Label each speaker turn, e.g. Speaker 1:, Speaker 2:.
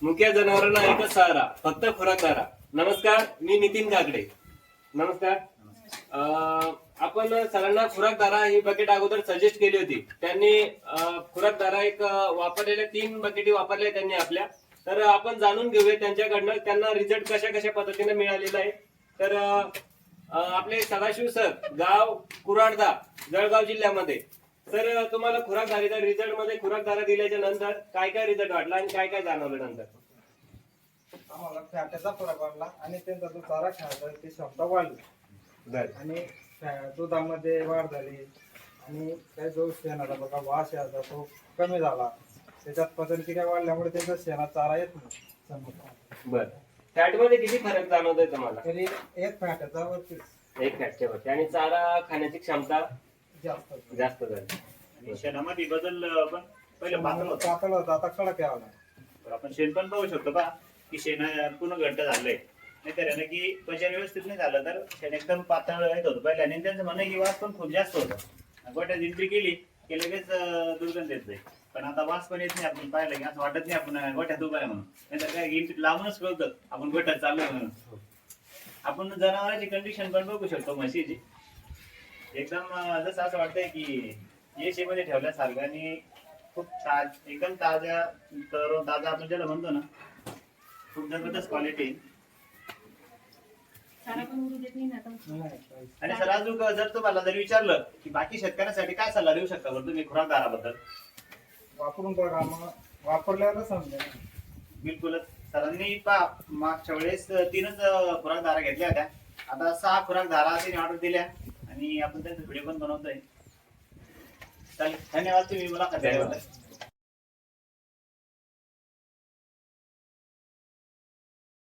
Speaker 1: मुक्या जनावरांना एकच सहारा, फक्त खुराकदारा. नमस्कार, मी नितीन काकडे. नमस्कार. आपण सरांना खुराकदारा ही बकेट अगोदर सजेस्ट केली होती. त्यांनी खुराकदारा एक वापरलेल्या 3 बकेटी वापरल्या त्यांनी आपल्या. तर आपण जाणून घेऊया त्यांच्याकडनं त्यांना रिझल्ट कशा कशा पद्धतीने मिळालेला आहे. तर आपले सदाशिव सर, गाव कुराडदा, जळगाव जिल्ह्यामध्ये. सर, तुम्हाला खुराकदारीचा रिझल्ट मध्ये खुराकदारा दिल्याच्या नंतर काय काय रिझल्ट वाटला आणि काय काय जाणवलं नंतर?
Speaker 2: आम्हाला फॅटचा फरक वाढला आणि त्यांचा जो चारा खायचा ती क्षमता वाढली आणि दुधामध्ये वाढ झाली आणि काही जो शेणाचा बघा वास यायचा तो कमी झाला. त्याच्यात पचनक्रिया वाढल्यामुळे त्यांचा शेणात चारा येत नाही.
Speaker 1: बर, फॅट मध्ये किती फरक जाणवतोय तुम्हाला?
Speaker 2: तरी एक फॅटचा वरती
Speaker 1: एक फॅटच्या वरती आणि चारा खाण्याची क्षमता
Speaker 2: जास्त
Speaker 1: जास्त झाली.
Speaker 3: आणि शेणामध्ये बदल पण पहिलं पातळ होतं.
Speaker 2: पातळ होता, आता कडक यावं लागलं.
Speaker 3: तर आपण शेण पण पाहू शकतो का की शेण पूर्ण घट्ट झालंय. नाहीतर आहे ना की पचन व्यवस्थित नाही झालं तर शेण एकदम पातळ येत होतं पहिले. आणि त्यांचं म्हणणं की वास पण खूप जास्त होतं. गोट्यात एंट्री केली की लगेच दुर्गंध येत जाईल. पण आता वास पण येत नाही. आपण पाहिलं की असं वाटत नाही आपण गोठ्यात उभा आहे म्हणून. नाहीतर काय एंट्री लावूनच कळतं आपण गोठ्यात चाललोय म्हणून. आपण जनावरांची कंडिशन पण बघू शकतो म्हशीची. एकदम जसं असं वाटतंय की एसी मध्ये ठेवल्यासारखं आणि खूप एकदम ताज्या तरुण ताजा आपण ज्याला म्हणतो ना, खूप जबरदस्त क्वालिटी. आणि सर अजून जर तुम्हाला जर विचारलं की बाकी शेतकऱ्यांसाठी काय सल्ला देऊ शकता बरं तुम्ही खुराकदाराबद्दल?
Speaker 2: वापरून बघा, मग वापरल्यावर समजेल.
Speaker 3: बिलकुलच. सरांनी मागच्या वेळेस 3च खुराकदारा घेतल्या होत्या. आता 6 खुराकदारा त्यांनी ऑर्डर दिल्या आणि आपण त्यांचा व्हिडिओ पण बनवतोय. चालेल, धन्यवाद तुम्ही मुलाखत दिल्याबद्दल.